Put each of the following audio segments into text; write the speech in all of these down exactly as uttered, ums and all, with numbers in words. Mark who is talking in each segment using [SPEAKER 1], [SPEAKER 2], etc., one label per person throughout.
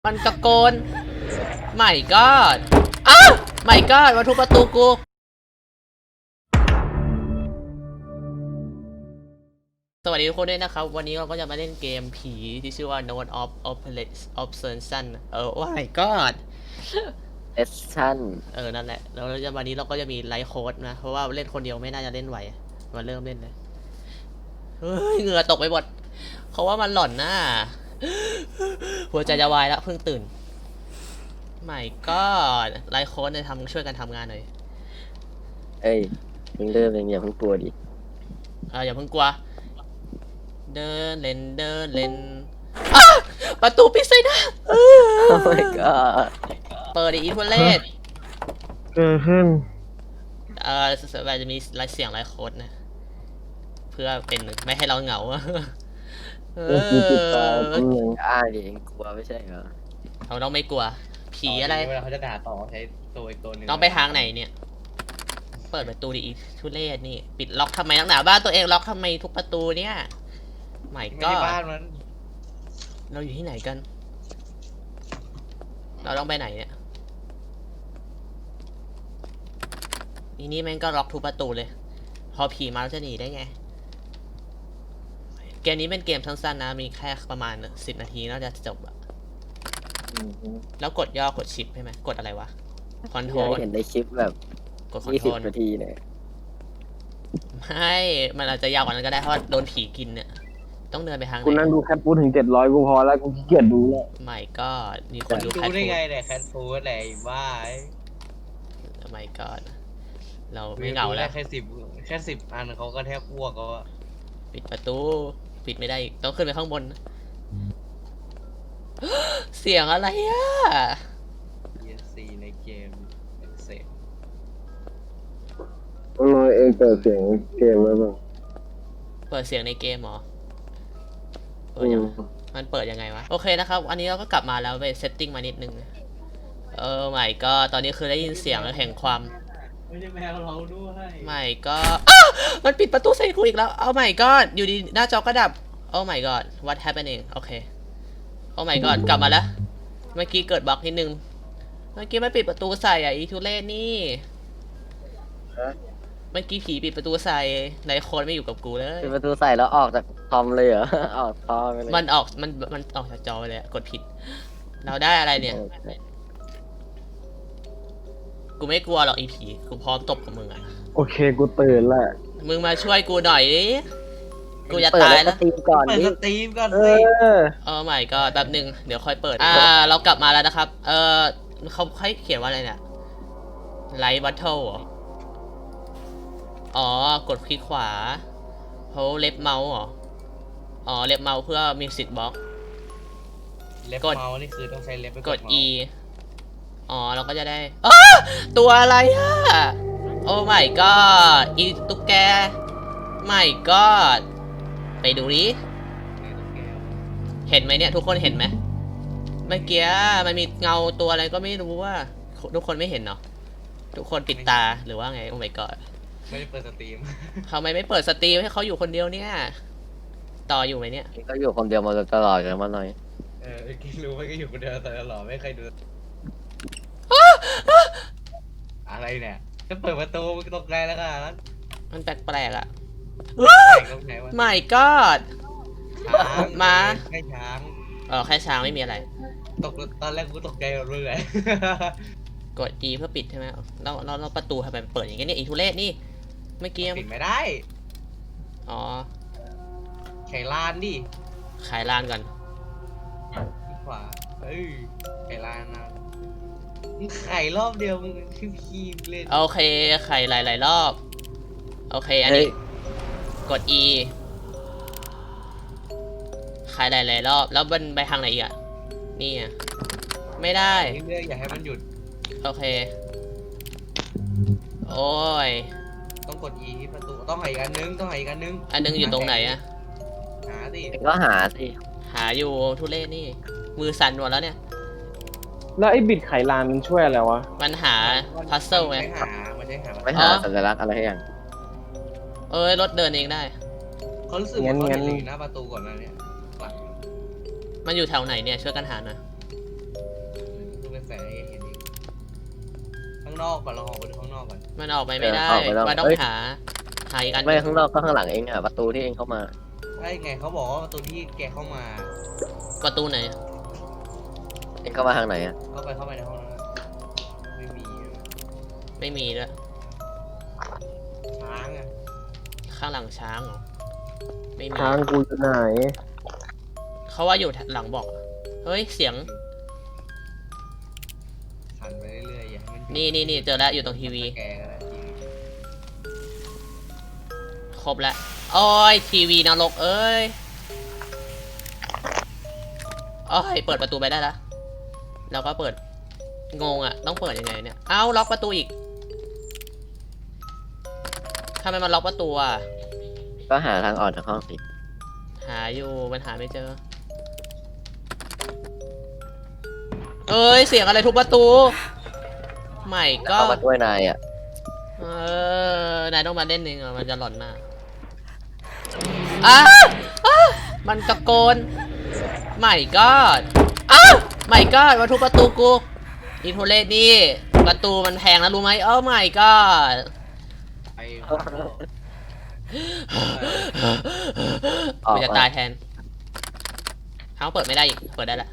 [SPEAKER 1] มันตะโกนไม่ก็อ้าวไม่ก็มาทุบประตูกูสวัสดีทุกคนด้วยนะครับวันนี้เราก็จะมาเล่นเกมผีที่ชื่อว่า Note of Obsession เออว่าไม่ก็
[SPEAKER 2] เอสชั่น
[SPEAKER 1] เออนั่นแหละแล้วจะวันนี้เราก็จะมีไลฟ์โค้ดนะเพราะว่าเล่นคนเดียวไม่น่าจะเล่นไหวมาเริ่มเล่นเลยเฮ้ยเหงื่อตกไปหมดเขาว่ามันหล่อนน่าหัวใจจะวายแล้วเพิ่งตื่นไม่ก็ไลฟ์โค้ดเนี่ยทำช่วยกันทำงานหน่อย
[SPEAKER 2] เอ้ยเพิ่งเริ่มเองอย่าเพิ่งกลัวดิ
[SPEAKER 1] เอออย่าเพิ่งกลัวเดินเล่นเดินเล่นประตูปิดใส่หน้า
[SPEAKER 2] โอ้ my god
[SPEAKER 1] เปิดอีทุเรศ
[SPEAKER 3] เกิดขึ้น
[SPEAKER 1] เออเราจะมีลายเสียงลายโค้ดนะเพื่อเป็นไม่ให้เราเหงาเออ
[SPEAKER 2] อ่าดิเองกลัวไม่ใช่เหรอ
[SPEAKER 1] เราต้องไม่กลัวผีอะไร
[SPEAKER 4] เวลาเขาจะด่าต่อใช้ตัวอีกตัวหนึ่ง
[SPEAKER 1] ต้องไปทางไหนเนี่ยเปิดประตูดิอีทุเรศนี่ปิดล็อกทำไมนักหนาบ้านตัวเองล็อกทำไมทุกประตูเนี่ยไม่ก็
[SPEAKER 4] บ้านมัน
[SPEAKER 1] เราอยู่ที่ไหนกันเราต้องไปไหนเนี่ยอีนี่แม่งก็ล็อกทุกประตูเลยพอผีมาเราจะหนีได้ไงเกมนี้เป็นเกมสั้นๆนะมีแค่ประมาณสิบนาทีน่าจะจบอะแล้วกดย่อกดชิปใช่ไหมกดอะไรวะคอนโทรล
[SPEAKER 2] เห็นในคลิปแบบ
[SPEAKER 1] กดคอนโทรล
[SPEAKER 2] นาทีเนี่ย
[SPEAKER 1] ไม่มันอาจจะยาวกว่านั้นก็ได้เพราะโดนผีกินเนี่ยต้องเดินไปทางไหน
[SPEAKER 3] กูนั่งดูแคทฟูดถึงเจ็ดร้อยกูพอแล้วกูขี้เกียจดูแล้ว
[SPEAKER 1] ไม่ก็มีคนดู
[SPEAKER 4] แคทฟูดดูได้ไงเนี่ยแคทฟูดอะไรบ้า
[SPEAKER 1] ไม่ก็เราไม่เหงาแล้ว
[SPEAKER 4] แค่สิบแค่สิบอันเขาก็แทบอ้วกก็
[SPEAKER 1] ปิดประตูปิดไม่ได้ต้องขึ้นไปข้างบนเสียงอะไรอ่ะ
[SPEAKER 4] เอส ซี ในเกมเสร็จ
[SPEAKER 3] น้อยเองเปิดเสียงเกมไว้บ้าง
[SPEAKER 1] เปิดเสียงในเกมเหรอเปิดยังมันเปิดยังไงวะโอเคนะครับอันนี้เราก็กลับมาแล้วไปเซตติ้งมานิดนึงเออไม่ก็ตอนนี้คือได้ยินเสียงแห่งความ
[SPEAKER 4] ไม่ใช่แมวเราด้วย
[SPEAKER 1] ไม่ก็มันปิดประตูใส่กูอีกแล้วเอาไม่ก็อยู่ดีหน้าจอก็ดับโอ้ my god what happening โอเคโอ้ my god กลับมาแล้วเมื่อกี้เกิดบั๊กนิดนึงเมื่อกี้มันปิดประตูใส่อ่ะอีทุเรศนี่เมื่อกี้ผีปิดประตูใส่ในโคนไม่อยู่กับกูเลย
[SPEAKER 2] ปิดประตูใส่แล้วออกจากคอมเลยเหรอออกคอมเลย
[SPEAKER 1] มันออกมันมันออกจากจอไปเลยกดผิดเราได้อะไรเนี่ยกูไม่กลัวหรอกอีผีกูพร้อมตบกับมึงอ่ะ
[SPEAKER 3] โอเคกูตื่นแล้ว
[SPEAKER 1] มึงมาช่วยกูหน่อยดิกูจะตายแล้ว
[SPEAKER 2] ตีมก่อน
[SPEAKER 4] เปิดสตรีมก่อนสิ
[SPEAKER 3] เออ
[SPEAKER 1] เออไม่ก็แป๊บหนึ่งเดี๋ยวค่อยเปิดอ่าเรากลับมาแล้วนะครับเออเขาให้เขียนว่าอะไรเนี่ยไลท์บัตเทิลอ๋อกดคลิกขวาเขาเล็บเมาส์เหรออ๋อเล็บเมาส์เพื่อมิวสิกบ็อก
[SPEAKER 4] เล็บเมาส์นี่คือต้องใช้เล็บไป
[SPEAKER 1] กด E อ๋อเราก็จะได้ตัวอะไรอ่ะโอ้ไม่ก็อีตุ๊กแกไม่ก็ไปดูดิเห็นไหมเนี่ยทุกคนเห็นไหมเมื่อกี้มันมีเงาตัวอะไรก็ไม่รู้ว่าทุกคนไม่เห็นเนาะทุกคนปิดตาหรือว่าไงโอ้ไม่ก็
[SPEAKER 4] ไม่ได้เปิดสตรีม
[SPEAKER 1] ทำไมไม่เปิดสตรีมให้เขาอยู่คนเดียวเนี่ยต่ออยู่ไหมเนี่ย
[SPEAKER 2] ก็อยู่คนเดียวมาตลอดกันมาหน่อย
[SPEAKER 4] เออกินรู้ไหมก็อยู่คนเดียวตลอดไม่เคยดูอะไรเนี่ยจะเปิดประตูตกใจแล้วกัน
[SPEAKER 1] มันแปลกๆอ่ะ
[SPEAKER 4] ไม่
[SPEAKER 1] ก็
[SPEAKER 4] มาแค่ช้าง
[SPEAKER 1] เออแค่ช้างไม่มีอะไร
[SPEAKER 4] ตกตอนแรกกูตกใจหมดเลย
[SPEAKER 1] กด E เพื่อปิดใช่ไหมเราเราเราประตูทำไมเปิดอย่างเงี้ยเนี่ยอีทุเรศนี่เมื่อกี้
[SPEAKER 4] ปิดไม่ได้
[SPEAKER 1] อ๋อ
[SPEAKER 4] ไขลานดิ
[SPEAKER 1] ขายลานก่อน
[SPEAKER 4] ขวาเอ้ยไขลานนะไข่รอบเดียวมึงคือพีเล่น
[SPEAKER 1] โอเคไข่หลายๆรอบโอเคอันนี้กด E ไข่หลายๆรอบแล้วมันไปทางไหนอีกอ่ะนี่อ่ะไม่ได้
[SPEAKER 4] เรื่อยๆอย่าให้มันหยุด
[SPEAKER 1] โอเคโอ้ย
[SPEAKER 4] ต้องกด E ที่ประตูต้องหาอีกอันนึงต้องหาอีกอันนึง
[SPEAKER 1] อันนึงอยู่ตรงไหนอะ
[SPEAKER 4] หาสิ
[SPEAKER 2] ก็หาสิ
[SPEAKER 1] หาอยู่ทุเรศนี่มือสั่นหมดแล้วเนี่ย
[SPEAKER 3] แล้วไอ้บิดไขลานมันช่วยอะไรวะ
[SPEAKER 1] มันหาพัซเซิลไง
[SPEAKER 4] ไม่หามันใช่หา
[SPEAKER 2] ไม่หาสัญลักษณ์อะไรอย่าง
[SPEAKER 1] เอ้ยรถเดินเองได้
[SPEAKER 4] เขารู้สึกว่าเขาเห็นหน้าประตูก่อนนะเนี่ย
[SPEAKER 1] มันอยู่แถวไหนเนี่ยช่วยกันหาหน่อย
[SPEAKER 4] นอกก่อนเราออกไปดูข้างนอกก่อน
[SPEAKER 1] มันออกไปไม่ได้
[SPEAKER 2] เออออกไปแล้ว
[SPEAKER 1] มันต้อง
[SPEAKER 2] เอ้ย
[SPEAKER 1] หาหาอีกอันห
[SPEAKER 2] ไม่
[SPEAKER 1] นึ่ง
[SPEAKER 2] ข้างนอกก็ข้างหลังเองอะประตูที่เองเข้ามา
[SPEAKER 4] ใช่ไงเขาบอกว่าประตูที่แกเข้ามา
[SPEAKER 1] ประตูไหน
[SPEAKER 2] เองเข้ามาทางไหนอะ
[SPEAKER 4] เข้าไปเข้าไปในห้องนั้นไม่มีอะ
[SPEAKER 1] ไม่มีด้วย
[SPEAKER 4] ช้างอ่ะ
[SPEAKER 1] ข้างหลังช้างเหรอไม่มี
[SPEAKER 3] ทางกูอยู่ไหน
[SPEAKER 1] เขาว่าอยู่หลังบอกเฮ้ยเสียง
[SPEAKER 4] สั่นไปเรื่อยๆอย่าให้มัน
[SPEAKER 1] นี่นี่นี่เจอแล้วอยู่ตรงทีวี
[SPEAKER 4] แกก็ได้ทีวี
[SPEAKER 1] ครบแล้วโอ้ยทีวีนรกเอ้ยโอ้ยเปิดประตูไปได้แล้วแล้วก็เปิดงงอ่ะต้องเปิดยังไงเนี่ยเอ้าล็อกประตูอีกทำไมมันล็อกประตูอ่ะ
[SPEAKER 2] ก็หาทางออกจากห้องสิ
[SPEAKER 1] หาอยู่มันหาไม่เจอเอ้ยเสียงอะไรทุบประตูใหม่ก็
[SPEAKER 2] เข้ามาด้วยนายอะ
[SPEAKER 1] เออนายต้องมาเล่นเองอ่ะมันจะหลอนมากอ้าอ้ามันตะโกนใหม่ก็อ้าใหม่ก็มาทุบประตูกูอินโทเลสนี่ประตูมันแพงนะรู้ไหมเอ้าใหม่ก็
[SPEAKER 4] ไป
[SPEAKER 2] ออก
[SPEAKER 1] กูจะ
[SPEAKER 2] มา
[SPEAKER 1] ตายแทนเขาเปิดไม่ได้อีกเปิดได้ละ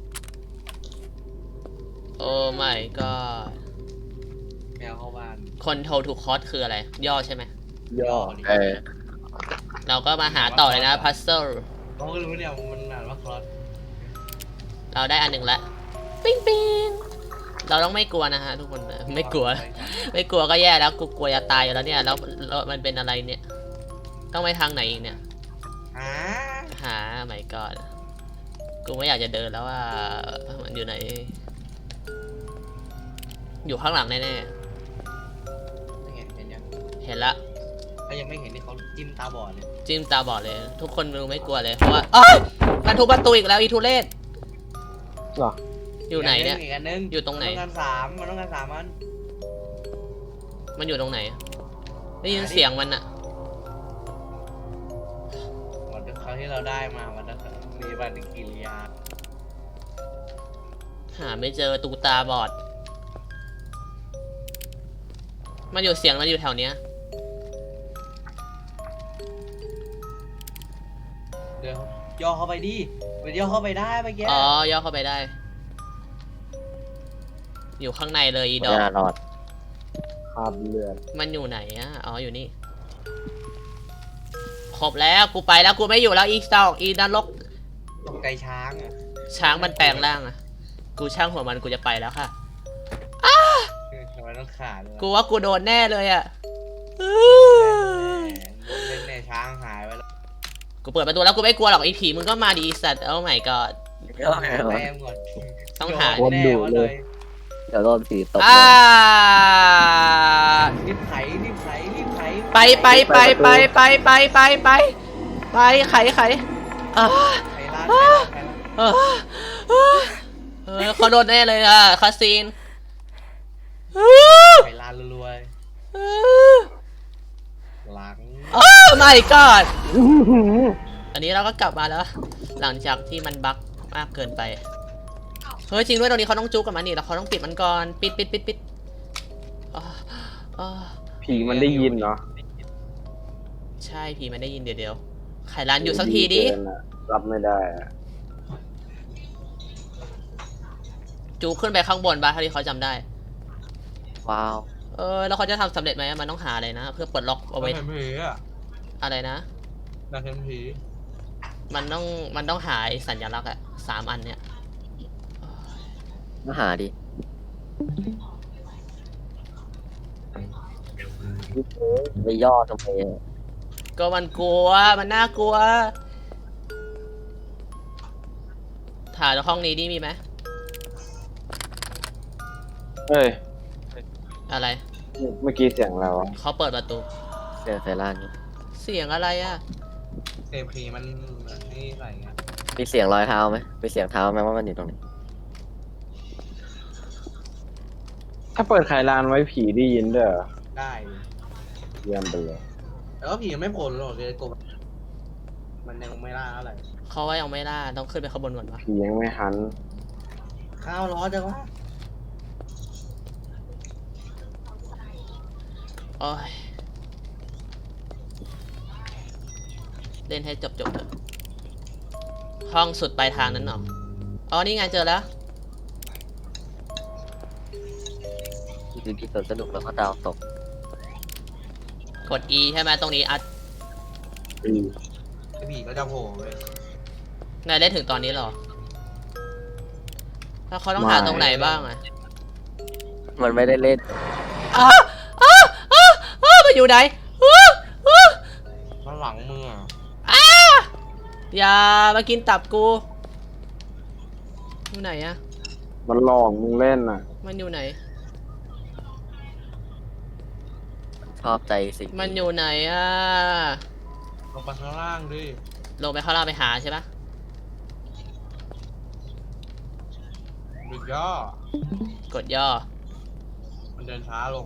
[SPEAKER 1] โอ้ไม่ก็
[SPEAKER 4] แมวเข้าบ้าน
[SPEAKER 1] คนโทรถูกคอสคืออะไร ย่อใช่ไหม
[SPEAKER 3] ย่อ
[SPEAKER 4] ดิ
[SPEAKER 2] เออ
[SPEAKER 1] เราก็มาหาต่อเลยนะพัซเซิล
[SPEAKER 4] เขาก็รู้เนี่ยมันอ่านว่าคลอส
[SPEAKER 1] เราได้อันหนึ่งละปิ้งปิ้งเราต้องไม่กลัวนะฮะทุกคนไม่กลัว ไม่กลัวก็แย่แล้วกูกลัวจะตายอยู่แล้วเนี่ยแล้วแล้วมันเป็นอะไรเนี่ย ต้องไปทางไหนอีกเนี่ย
[SPEAKER 4] อ่า
[SPEAKER 1] หาไม่ก่อนกูไม่อยากจะเดินแล้วว่ามันอยู่ไหน อยู่ข้างหลังแน่
[SPEAKER 4] นี่ไงเห็นยัง
[SPEAKER 1] ๆเห็นละ
[SPEAKER 4] ถ้ายังไม่เห็นนี่เขาจิ้มตาบอดเลย
[SPEAKER 1] จิ้มตาบอดเลย ทุกคนดูไม่กลัวเลยเพราะว่าอ้าวมันทุบประตูอีกแล้วอีทุเรศ
[SPEAKER 3] เหรอ
[SPEAKER 1] อยู่ไหนเนี่ย
[SPEAKER 4] อีกอันนึง
[SPEAKER 1] อยู่ตรงไหน
[SPEAKER 4] มันต้องการสามมันต้องการสามอัน
[SPEAKER 1] มันอยู่ตรงไหน ได้ยินเสียงมันอะ
[SPEAKER 4] เหมือนคราวที่เราได้มามันจะมีปฏิกิริยา
[SPEAKER 1] หาไม่เจอตูตาบอด มันอยู่เสียงมันอยู่แถวเนี้ย
[SPEAKER 4] เดี๋ยวย่อเข้าไปดิมันย่อเข้าไปได้เมื่อกี้
[SPEAKER 1] อ๋อย่อเข้าไปได้ อยู่ข้างในเลยอีด
[SPEAKER 2] ไม่
[SPEAKER 1] อก
[SPEAKER 2] น่ารอด
[SPEAKER 3] ขาดเลือด
[SPEAKER 1] มันอยู่ไหนอะอ๋ออยู่นี่ ครบแล้วกูไปแล้วกูไม่อยู่แล้วอีสองอีนรก
[SPEAKER 4] ตกใจช้างอ่ะ
[SPEAKER 1] ช้างมันแปลงร่างอะกูช่างหัวมันกูจะไปแล้วค่ะ
[SPEAKER 4] ทำไมต้องขาดเลย
[SPEAKER 1] กูว่ากูโดนแน่เลยอะ
[SPEAKER 4] เล่นในช้างหายไปแล้ว
[SPEAKER 1] กูเปิดประตูแล้วกูไม่กลัวหรอกไอ้ผีมึงก็มาดีสัตว์โอ้ my god
[SPEAKER 4] แต้มก่อน
[SPEAKER 1] ต้องหา
[SPEAKER 4] แน่วะเลย
[SPEAKER 2] เดี๋ยวโดนผีตบ
[SPEAKER 1] อ่า
[SPEAKER 4] รีบไถรีบไถรีบไถ
[SPEAKER 1] ไปไปไปไปไปไปไปไปไปไขไขอ่า
[SPEAKER 4] ไถร้านไถร้านไถร้าน
[SPEAKER 1] เออเออเขาโดนแน่เลยอ่ะคาซีน
[SPEAKER 4] ไถร้านรวยๆหลัง
[SPEAKER 1] โอ้ my god อันนี้เราก็กลับมาแล้ว หลังจากที่มันบั๊กมากเกินไปเฮ้ยจริงด้วยตรงนี้เขาต้องจุกกับมันนี่แล้วเขาต้องปิดมันก่อนปิดปิดปิดปิดอ๋ออ๋อ
[SPEAKER 3] ผีมันได้ยินเหรอ
[SPEAKER 1] ใช่ผีมันได้ยินเดี๋ยวเดี๋ยวไขร้านอยู่สักทีดิ
[SPEAKER 3] เนอะรับไม่ได้อะ
[SPEAKER 1] จูขึ้นไปข้างบนบ้าเท่าที่เขาจำได้
[SPEAKER 2] ว้าว
[SPEAKER 1] เออแล้วเขาจะทำสำเร็จไหมมันต้องหาอะไรนะ เพื่อปลดล็อกเอาไว้
[SPEAKER 4] เห็นผีอ่ะ
[SPEAKER 1] อะไรนะ
[SPEAKER 4] น่าเห็นผี
[SPEAKER 1] มันต้องมันต้องหาไอ้สัญลักษณ์อะสามอันเนี่ย
[SPEAKER 2] มาหาดิ ไปย่อทำไมอะ
[SPEAKER 1] ก็มันกลัวมันน่ากลัวถ่ายห้องนี้ดิมีไหม
[SPEAKER 3] เฮ้ย
[SPEAKER 1] อะไร
[SPEAKER 3] เมื่อกี้เสียงอะไรวะ
[SPEAKER 1] เขาเปิดประตู
[SPEAKER 2] เสียงใส่ล่างนี่
[SPEAKER 1] เสียงอะไรอะ
[SPEAKER 4] เซผีมันนี่ใส่ไง
[SPEAKER 2] มีเสียงรอยเท้าไหมมีเสียงเท้าไหมว่ามันอยู่ตรงไหน
[SPEAKER 3] ถ้าเปิดไขลานไว้ผีได้ยินด้วยเหรอ
[SPEAKER 4] ได้
[SPEAKER 3] เยี่ยมไปเลย
[SPEAKER 4] แต่ว่าผีไม่โผล่หรอกเลยกบมันยังไม่ล่าอะไร
[SPEAKER 1] เขาว่ายังไม่ล่าต้องขึ้นไปข้างบนก่อนวะ
[SPEAKER 3] ผียังไม่หัน
[SPEAKER 4] ข้าวร้อนจังวะ
[SPEAKER 1] โอ้ยเล่นให้จบจบเถอะห้องสุดปลายทางนั้นเหรออ๋อนี่ไงเจอแล้ว
[SPEAKER 2] คือที่สวนสนุกแล้วก็ดาวตก
[SPEAKER 1] กด E ใช่ไหมตรงนี้อัด
[SPEAKER 2] อืม
[SPEAKER 4] ไอ้ผีก็จะโผล่เว้ย
[SPEAKER 1] นายเล่นถึงตอนนี้เหรอแล้วเขาต้องหาตรงไหนบ้างอะ
[SPEAKER 2] มันไม่ได้เล่น
[SPEAKER 1] อ้าอ้าอ้าอ้ามันอยู่ไหนอ้าอ้า
[SPEAKER 4] ข้างหลังมึงอ่ะ
[SPEAKER 1] อ้าอย่ามากินตับกูอยู่ไหนอะ
[SPEAKER 3] มันหลอกมึงเล่นน่ะ
[SPEAKER 1] มันอยู่ไหน
[SPEAKER 2] ชอบใจสิ่ง
[SPEAKER 1] มันอยู่ไหนอะ
[SPEAKER 4] ลงไปข้างล่างดิ
[SPEAKER 1] ลงไปข้างล่างไปหาใช่ปะ
[SPEAKER 4] ดึกย่อก
[SPEAKER 1] ดย่อ
[SPEAKER 4] มันเดินช้าลง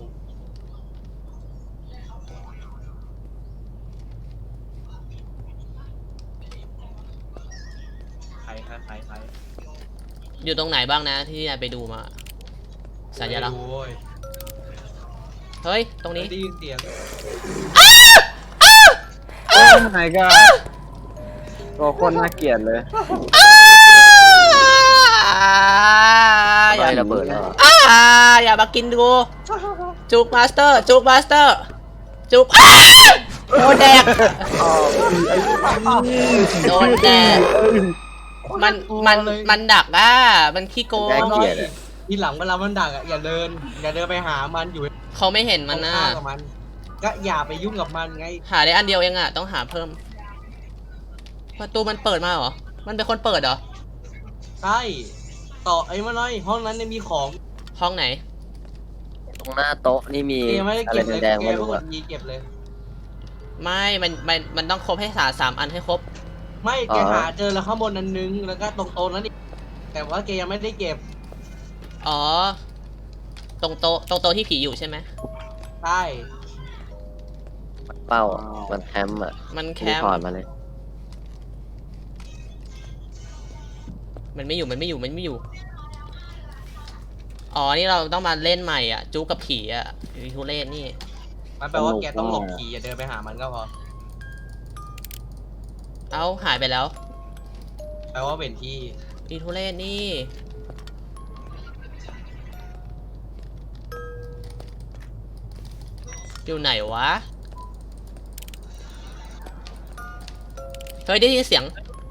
[SPEAKER 4] ใครใครใครใคร
[SPEAKER 1] อยู่ตรงไหนบ้างนะที่นายไปดูมาสัญลักษณ์
[SPEAKER 4] ไม่รู้เว้ย
[SPEAKER 1] เฮ้ยตรงนี้
[SPEAKER 4] ได้ยินเสียง
[SPEAKER 3] โอ้ยไหนก็ตัวคนน่าเกลียดเลย
[SPEAKER 1] อย่า
[SPEAKER 2] ไม่ระเบิดแล้วเหรอ
[SPEAKER 1] อ่าอย่ามากินกูจุกมาสเตอร์จุกมาสเตอร์จุกอ้าโดนแดกโดนแดกมันมันมันดักอ่ะมันขี้โกง
[SPEAKER 2] น่าเกลียดอะ
[SPEAKER 4] ทีหลังเวลามันดักอ่ะอย่าเดิน อย่าเดินไปหามันอยู่
[SPEAKER 1] เขาไม่เห็นมัน
[SPEAKER 4] ตรง
[SPEAKER 1] นะ
[SPEAKER 4] ข้ามกับมัน ก็อย่าไปยุ่งกับมันไง
[SPEAKER 1] หาได้อันเดียวเองอ่ะต้องหาเพิ่มประตูมันเปิดมาเหรอมันเป็นคนเปิดเหรอ
[SPEAKER 4] ใช่ต่อไอ้มาหน่อยห้องนั้นเนี่ยมีของ
[SPEAKER 1] ห้องไหน
[SPEAKER 2] ตรงหน้าโต๊ะนี่มี
[SPEAKER 4] เกมไม่ได้
[SPEAKER 2] อะไร
[SPEAKER 4] เก็บเลย
[SPEAKER 2] แดง
[SPEAKER 4] เก
[SPEAKER 2] ๆไม่
[SPEAKER 4] ม
[SPEAKER 2] รู้
[SPEAKER 4] ก
[SPEAKER 2] อะ
[SPEAKER 4] ดยีเก็บเลย
[SPEAKER 1] ไม่มันมันมันต้องครบให้สาสามอันให้ครบ
[SPEAKER 4] ไม่แกหาเจอแล้วข้างบนอันนึง แล้วก็ตรงโต๊ะนั้นอีกแต่ว่าแกยังไม่ได้เก็บ
[SPEAKER 1] อ๋อตรงโต๊ะตรงโต๊ะที่ผีอยู่ใช่ไหม
[SPEAKER 4] ใช่
[SPEAKER 2] เป้าอะมันแคมป์อะ
[SPEAKER 1] มันแค
[SPEAKER 2] รี
[SPEAKER 1] ม
[SPEAKER 2] พอร์ต
[SPEAKER 1] ป์
[SPEAKER 2] มาเลย
[SPEAKER 1] มันไม่อยู่มันไม่อยู่มันไม่อยู่อ๋อนี่เราต้องมาเล่นใหม่อ่ะจู๊กับผีอ่ะอีทุเรศนี่
[SPEAKER 4] มันแปลว่าแกต้องหลบผีอย่าเดินไปหามันก็พอ
[SPEAKER 1] เอ้าหายไปแล้ว
[SPEAKER 4] แปลว่าเป็นที่
[SPEAKER 1] อีทุเรศนี่ อยู่ไหนวะ เฮ้ยได้ยินเสียง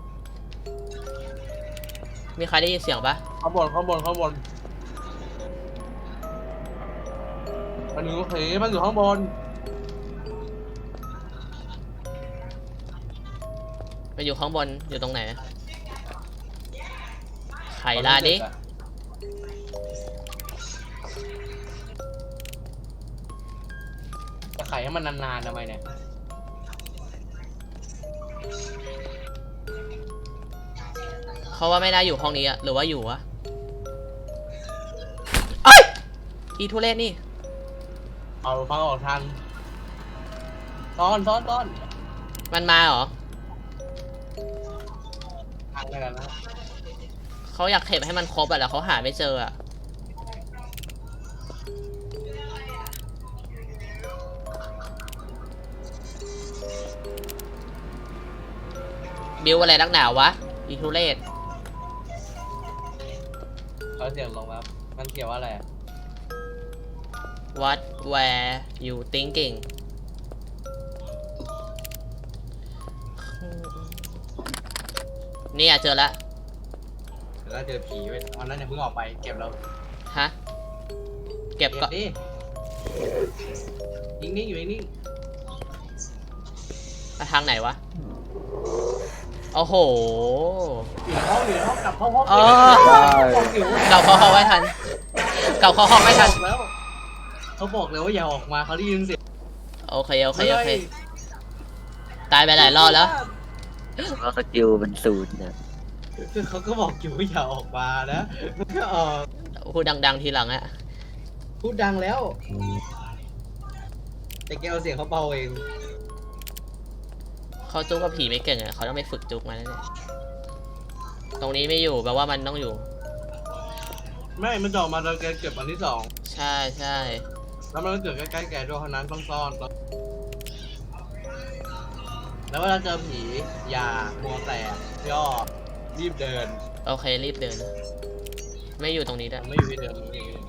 [SPEAKER 1] มีใครได้ยินเสียงปะ
[SPEAKER 4] ข้างบนข้างบนข้างบนมันอยู่ผีมันอยู่ข้างบน
[SPEAKER 1] มันอยู่ข้างบนอยู่ตรงไหนไขลาดิ
[SPEAKER 4] จะไขให้มันนานๆทำไมเนี่ย
[SPEAKER 1] เขาว่าไม่น่าอยู่ห้องนี้อะหรือว่าอยู่วะเอ้ยอีทุเรศนี่
[SPEAKER 4] เอาฟังออกทันซ้อนซ้อนซ้อน
[SPEAKER 1] มันมาเหรอ
[SPEAKER 4] ทันกันนะ
[SPEAKER 1] เขาอยากเก็บให้มันครบอะแล้วเขาหาไม่เจออะบิวอะไรนักหนาวะอีทุเรศ
[SPEAKER 4] เขาเสียงลงแล้วมันเกี่ยวว่าอะไรอะ
[SPEAKER 1] What were you thinking เนี่ยเจอแล้ว
[SPEAKER 4] แล้วเจอผีไว้ตอนนั้นเนี่ยเพิ่งออกไปเก็บแล้ว
[SPEAKER 1] ฮะ เก็บ
[SPEAKER 4] เก็บ
[SPEAKER 1] ก็
[SPEAKER 4] ดินิ่งๆอยู่นิ่ง
[SPEAKER 1] ไปทางไหนวะ โอ้โห
[SPEAKER 4] ๆอยู่ในห้องอยู่ในห้องกลับเข้าห้อง
[SPEAKER 1] เออ
[SPEAKER 4] บอกอยู่
[SPEAKER 1] เก่าเข้าห้องไม่ทันเก่าเข้าห้องไม่ทัน
[SPEAKER 4] บอกแล้วเขาบอกเลยว่าอย่าออกมาเขาได้ยินเสียง
[SPEAKER 1] โอเคโอเคโอเค ตายไปหลายรอบแล้ว
[SPEAKER 2] แล้วสกิลเป็นศูนย์เนี่ย
[SPEAKER 4] คือเขาก็บอกอยู่ว่าอย่าออกมานะก็ออก
[SPEAKER 1] พูดดัง ๆ ทีหลังอะ
[SPEAKER 4] พูดดังแล้ว แต่แกเอาเสียงเขาเบาเอง
[SPEAKER 1] เขาจุกกับผีไม่เก่งอะเขาต้องไปฝึกจุกมาแล้วเนี่ยตรงนี้ไม่อยู่แปลว่ามันต้องอยู่
[SPEAKER 4] ไม่มันจะออกมาตอนแกเก็บอันที่สอง
[SPEAKER 1] ใช่ใช่
[SPEAKER 4] แล้วมันก็เกิดใกล้ๆแกด้วยเพราะนั้นต้องซ่อนต้องแล้วเวลาเจอผีอย่ามัวแต่ย่อรีบเดิน
[SPEAKER 1] โอเครีบเดิน ไม่อยู่ตรงนี้ด้วย
[SPEAKER 4] มันไม่อยู่ที่เดิมมันไม่อยู่ที่เดิม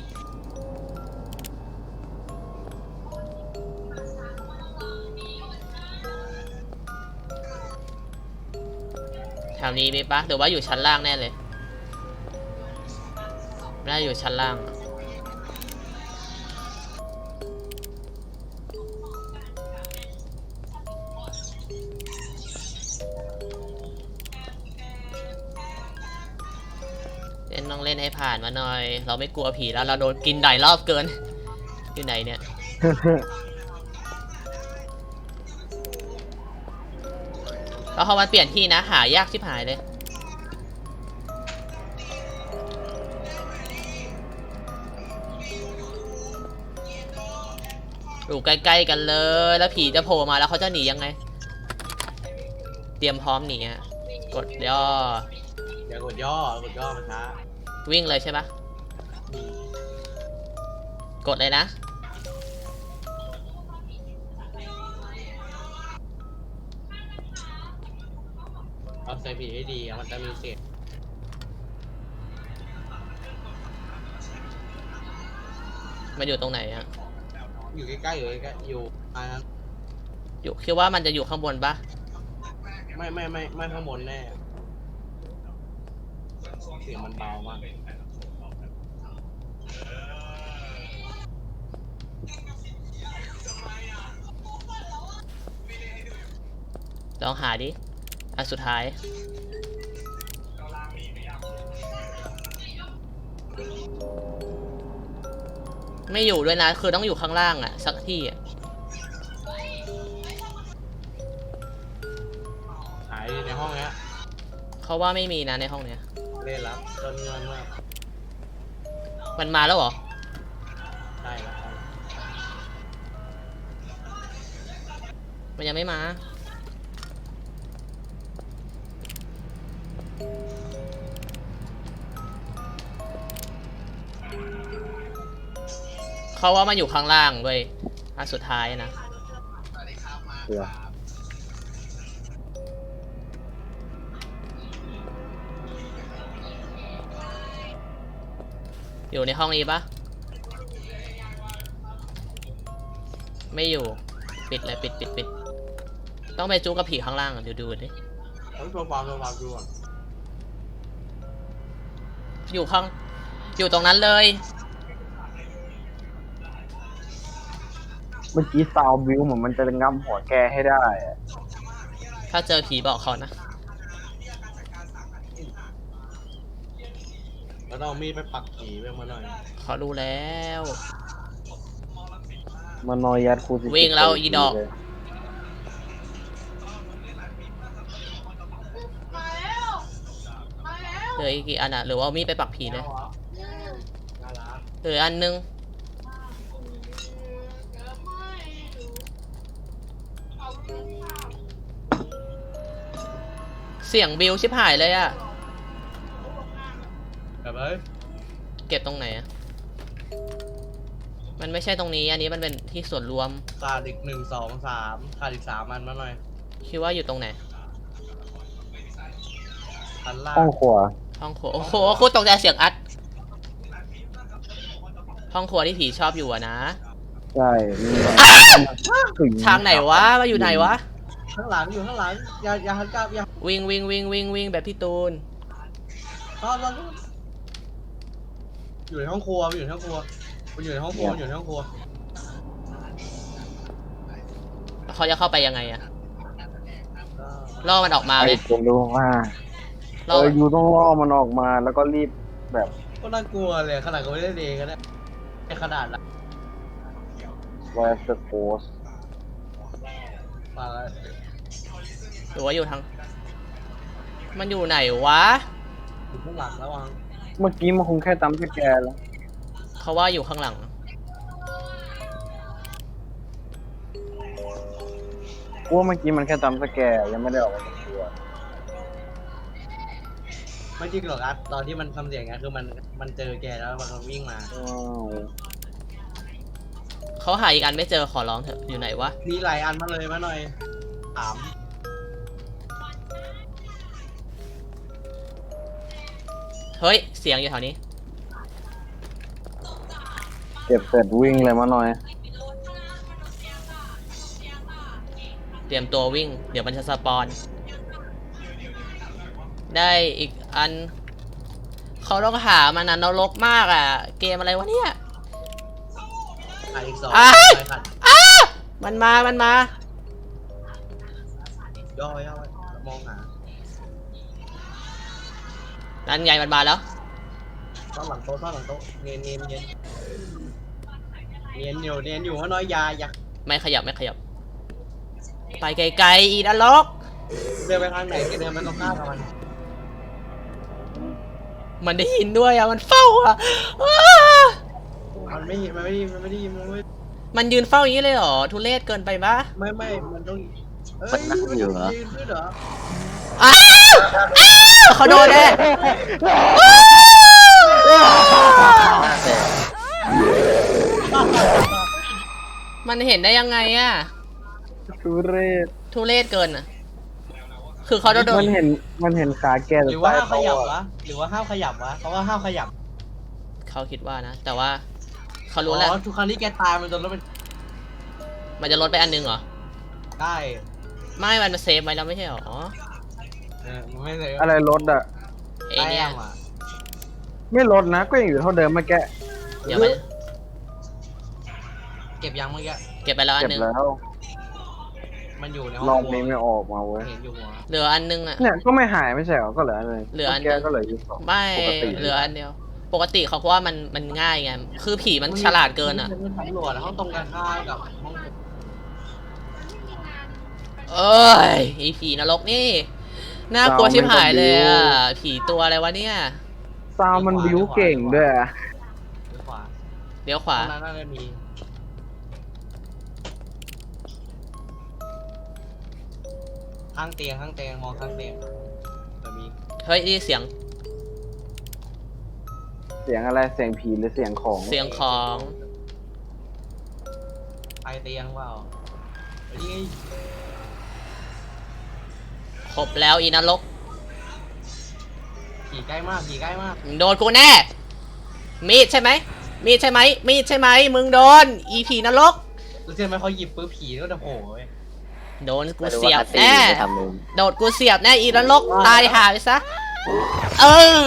[SPEAKER 1] แถวนี้มีปะหรือว่าอยู่ชั้นล่างแน่เลยน่าอยู่ชั้นล่าง เล่นต้องเล่นให้ผ่านมาหน่อย เราไม่กลัวผีแล้วเราโดนกินหลายรอบเกิน อยู่ไหนเนี่ย แล้วพอมันเปลี่ยนที่นะหายากชิบหายเลย อยู่ใกล้ๆกันเลย แล้วผีจะโผล่มาแล้วเขาจะหนียังไง เตรียมพร้อมหนีอะกดย่อ
[SPEAKER 4] อย่ากดย่อกดย่อมันช้า
[SPEAKER 1] วิ่งเลยใช่ปะกดเลยนะ
[SPEAKER 4] เอาใส่ผีให้ดีอะมันจะมีเสียง
[SPEAKER 1] มันอยู่ตรงไหนอะ
[SPEAKER 4] อยู่ใกล้ๆอยู่ใกล้ๆอยู่อันนั้น
[SPEAKER 1] อยู่คิดว่ามันจะอยู่ข้างบนปะ
[SPEAKER 4] ไม่ไม่ไม่ไม่ข้างบนแน่เสียงมันเบามาก
[SPEAKER 1] ลองหาดิ อันสุดท้าย ไม่อยู่ด้วยนะ คือต้องอยู่ข้างล่างอะสักที่อะ
[SPEAKER 4] หายในห้องเนี้ย
[SPEAKER 1] เขาว่าไม่มีนะในห้องเนี้ย
[SPEAKER 4] เล่นแล้วจนเงินมาก
[SPEAKER 1] มันมาแล้วเหรอ
[SPEAKER 4] ใช่แล้ว
[SPEAKER 1] มันยังไม่มา เขาว่ามันอยู่ข้างล่างเว้ย อันสุดท้ายนะ
[SPEAKER 2] เผื่อ
[SPEAKER 1] อยู่ในห้องนี้ปะไม่อยู่ ปิดเลยปิดปิดปิด ต้องไปจู้กับผีข้างล่างอ่ะเดี๋ยวดูดิ
[SPEAKER 4] ต้องตัวความตัวความดูก่อน
[SPEAKER 1] อยู่ข้าง อยู่ตรงนั้นเลย
[SPEAKER 3] เมื่อกี้ซาวบิวเหมือนมันจะงับหัวแกให้ได้อะ
[SPEAKER 1] ถ้าเจอผีบอกเขานะ
[SPEAKER 4] แล้วต้องเอามีดไปปักผีไปมาหน่อย
[SPEAKER 1] เขารู้แล้ว
[SPEAKER 3] มานอยยัดครูสิ
[SPEAKER 1] วิ่งแล้วอีดอก
[SPEAKER 3] เลย
[SPEAKER 1] เหลืออีกกี่อันอ่ะ หรือว่าเอามีดไปปักผีเลย
[SPEAKER 4] น่ารัก
[SPEAKER 1] เหลืออันนึง เสียงบิวชิบหายเลยอ่ะ
[SPEAKER 4] แบบเอ้ย
[SPEAKER 1] เก็บตรงไหนอ่ะ มันไม่ใช่ตรงนี้ อันนี้มันเป็นที่ส่วนรวม
[SPEAKER 4] ขาดอีกหนึ่งสองสามขาดอีกสามอันมาหน่อย
[SPEAKER 1] คิดว่าอยู่ตรงไหน
[SPEAKER 4] ชั้นล่าง
[SPEAKER 3] ห้องครัว
[SPEAKER 1] ห้องครัว โอ้โหโคตรตกใจเสียงอัด ห้องครัวที่ผีชอบอยู่อะนะ
[SPEAKER 3] ใช่มีแบบถึ
[SPEAKER 1] ทางไหนวะ มาอยู่ไหนวะ
[SPEAKER 4] ข้างหลังอยู่ข้างหลังอย่าอย่าหันกลับอย่า
[SPEAKER 1] วิ่งวิ่งวิ่งวิ่งวิ่งแบบพี่ตูน
[SPEAKER 4] ตอนตอนอยู่ในห้องครัวมันอยู่ในห้องครัวมันอยู่ในห้องครัวมันอยู่ในห้องครัว
[SPEAKER 1] เขาจะเข้าไปยังไงอะ
[SPEAKER 4] ก็
[SPEAKER 1] ล่อมันออกมาไหม
[SPEAKER 3] ไอ้ผมรู้ว่าเอ
[SPEAKER 1] ล่อ
[SPEAKER 3] อยูต้องล่อมันออกมาแล้วก็รีบแบบ
[SPEAKER 4] ก็น่ากลัวเลยขนาดก็ไม่ได้เองก็ได้ในขนาดละ
[SPEAKER 3] where's the ghost
[SPEAKER 4] มาแล้ว
[SPEAKER 1] หรือว่าอยู่ทาง มันอยู่ไหนวะ
[SPEAKER 4] อยู่ข้างหลังแล้ววัง
[SPEAKER 3] เมื่อกี้มันคงแค่จำสแกนแล้ว
[SPEAKER 1] เขาว่าอยู่ข้างหลัง
[SPEAKER 3] กูว่าเมื่อกี้มันแค่จำสแกนยังไม่ได้ออกมาจากตัว
[SPEAKER 4] ไม่จริงหรอกอัดตอนที่มันทำเสียงไงคือมันมันเจอแกแล้วมันก็วิ่งมา
[SPEAKER 3] อ้าว
[SPEAKER 1] เขาหาอีกอันไม่เจอขอร้องเถอะอยู่ไหนวะ
[SPEAKER 4] มีหลายอันมาเลยมาหน่อยถาม
[SPEAKER 1] เฮ้ยเสียงอยู่แถวนี้
[SPEAKER 3] เก็บเสร็จวิ่งเลยมาหน่อย
[SPEAKER 1] เตรียมตัววิ่ง เดี๋ยวมันจะสปอน ได้อีกอัน เขาต้องหามันนะนรกมากอ่ะ เกมอะไรวะเนี่ย
[SPEAKER 4] ขาดอีกสอง
[SPEAKER 1] อ้าย
[SPEAKER 4] ไปขาด
[SPEAKER 1] อ้ามันมา มันมา
[SPEAKER 4] ย่อย่อมองหา
[SPEAKER 1] นั่นไงมันมาแล้ว
[SPEAKER 4] ซ่อนหลังโต๊ะซ่อนหลังโต๊ะเนียนเนียนเนียนเนียนอยู่เนียนอยู่มาหน่อยอยาอย่า
[SPEAKER 1] ไม่ขยับไม่ขยับ ไปไกลๆอีนรก
[SPEAKER 4] เดินไปทางไหนก็เดินไปตรงข้ามกับมัน
[SPEAKER 1] มันได้ยินด้วยอ่ะ มันเฝ้าอ่ะอ้า
[SPEAKER 4] มันไม่มันไม่ได้มันไม่ได้มันไม่
[SPEAKER 1] มันยืนเฝ้าอย่างนี้เลยเหรอ ทุเรศเกินไปปะ
[SPEAKER 4] ไม่ไม่มันต้องเอ้ย
[SPEAKER 2] มันนั่งอยู่เหรอ
[SPEAKER 4] ยืนขึ้นเหรอ
[SPEAKER 1] อ้าวอ้าวเขาโดนแน่อ้าว
[SPEAKER 2] แต่
[SPEAKER 1] มันเห็นได้ยังไงอ่ะ
[SPEAKER 3] ทุเรศ
[SPEAKER 1] ทุเรศเกินอ่ะ คือเขาโดน
[SPEAKER 3] มันเห็นมันเห็นขาแก
[SPEAKER 4] หรือว่าห้ามขยับวะหรือว่าห้ามขยับวะเพราะว่าห้ามขยับ
[SPEAKER 1] เขาคิดว่านะ แต่ว่าเขารู้แล้ว
[SPEAKER 4] อ๋อทุกครั้งที่แกตายมันจะลดเป็น
[SPEAKER 1] มันจะลดไปอันนึงเหรอ
[SPEAKER 4] ได้
[SPEAKER 1] ไม่มันมาเซฟไว้แล้วไม่ใช่เหรอ
[SPEAKER 4] เออมันไม่เลย
[SPEAKER 3] อะไรลดอ่ะ
[SPEAKER 1] เอเนี่ย
[SPEAKER 4] แต้มอะ
[SPEAKER 3] ไม่ลดนะก็ยังอยู่เท่าเดิมเมื่อกี้
[SPEAKER 1] เดี๋ยวมัน
[SPEAKER 4] เก็บยังเมื่อกี้
[SPEAKER 1] เก็บไปแล้วอัน
[SPEAKER 3] เก็บ
[SPEAKER 1] นึง
[SPEAKER 3] แล้ว
[SPEAKER 4] มันอยู่ในห้
[SPEAKER 3] ร
[SPEAKER 4] อ
[SPEAKER 3] อง บนี้ไม่ออกมาเว้ย
[SPEAKER 4] เห็นอยู่หัว
[SPEAKER 1] เหลืออันนึงอ่ะ
[SPEAKER 3] เนี่ยก็ไม่หายไม่ใช่เหรอก็เหลืออันเลย
[SPEAKER 1] เหลืออัน
[SPEAKER 3] แกก็เหลืออยู่สอง
[SPEAKER 1] ไม่
[SPEAKER 3] ปกติ
[SPEAKER 1] เหลืออันเดียว ปกติเขาเพราะว่ามันมันง่ายไง คือผีมันฉลาดเกินอ่ะ
[SPEAKER 4] มันสำรวจห้องตรงกันข้ามกับห้อง
[SPEAKER 1] เอ้ยไอผีนรกนี่ น่ากลัวชิบหายเลยอ่ะ ผีตัวอะไรวะเนี่ย
[SPEAKER 3] ซาวมันบิวเก่งด้วยอะ
[SPEAKER 4] หรือขวา
[SPEAKER 1] เดี๋ยวขวา
[SPEAKER 4] ตรงนั้นน่าจะมีข้างเตียงข้างเตียงมองข้างเตียงจะมี
[SPEAKER 1] เฮ้ยนี่เสียง
[SPEAKER 3] เสียงอะไรเสียงผีหรือเสียงของ
[SPEAKER 1] เสียงของ
[SPEAKER 4] ไปเตียงเปล่าเฮ้ยนี่ไง
[SPEAKER 1] ครบแล้วอีนรก
[SPEAKER 4] ผีใกล้มากผีใกล้มาก
[SPEAKER 1] มึงโดนกูแน่ มีดใช่ไหม มีดใช่ไหม มีดใช่ไหม มึงโดน อีผีนรก
[SPEAKER 4] แล้วเชื่อไหมเขาหยิบปืนผีก็จะโผล่เว้ย
[SPEAKER 1] โดนกู
[SPEAKER 2] ไม่รู้
[SPEAKER 1] เสีย
[SPEAKER 2] ว่า
[SPEAKER 1] บ
[SPEAKER 2] คัสซี
[SPEAKER 1] แน่
[SPEAKER 2] นไม่ทำเลย
[SPEAKER 1] โดดกูเสียบแน่อีนรกตายหาไปซะ เออ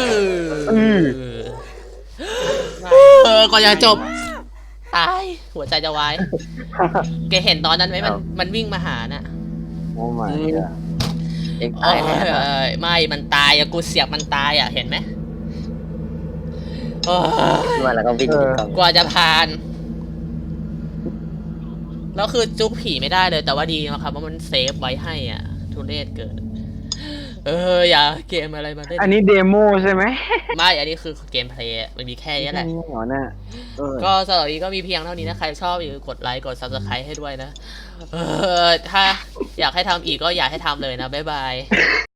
[SPEAKER 1] เออก่อนจะจบ ตาย หัวใจจะวาย แกเห็นตอนนั้นไหมมันมันวิ่งมาหาน่ะ
[SPEAKER 3] โอ้ไม่
[SPEAKER 2] เอ็ง
[SPEAKER 1] โอ้
[SPEAKER 2] ตาย
[SPEAKER 1] ย
[SPEAKER 2] แล้ว
[SPEAKER 1] ไม่มันตายอะกูเสียบมันตายอะเห็นไหมโอ้ย
[SPEAKER 2] มาแล้วก็วิ่งหนีกล้อง
[SPEAKER 1] กว่าจะผ่าน แล้วคือจุกผีไม่ได้เลย แต่ว่าดีนะครับว่ามันเซฟไว้ให้อ่ะ ทุเรศเกิน เออ อย่าเกมอะไรมาได้
[SPEAKER 3] อันนี้เดโมใช่ไหม
[SPEAKER 1] ไม่ อันนี้คือเกมเพลย์มันมีแค่นี้แหละ
[SPEAKER 3] นี่เหรอเนี่ยเออ
[SPEAKER 1] ก็สำหรับวันนี้ก็มีเพียงเท่านี้นะ ใครชอบอย่าลืมกดไลค์ กด ซับสไครบ์ ให้ด้วยนะ เออ ถ้าอยากให้ทำอีกก็อยากให้ทำเลยนะ บ๊ายบาย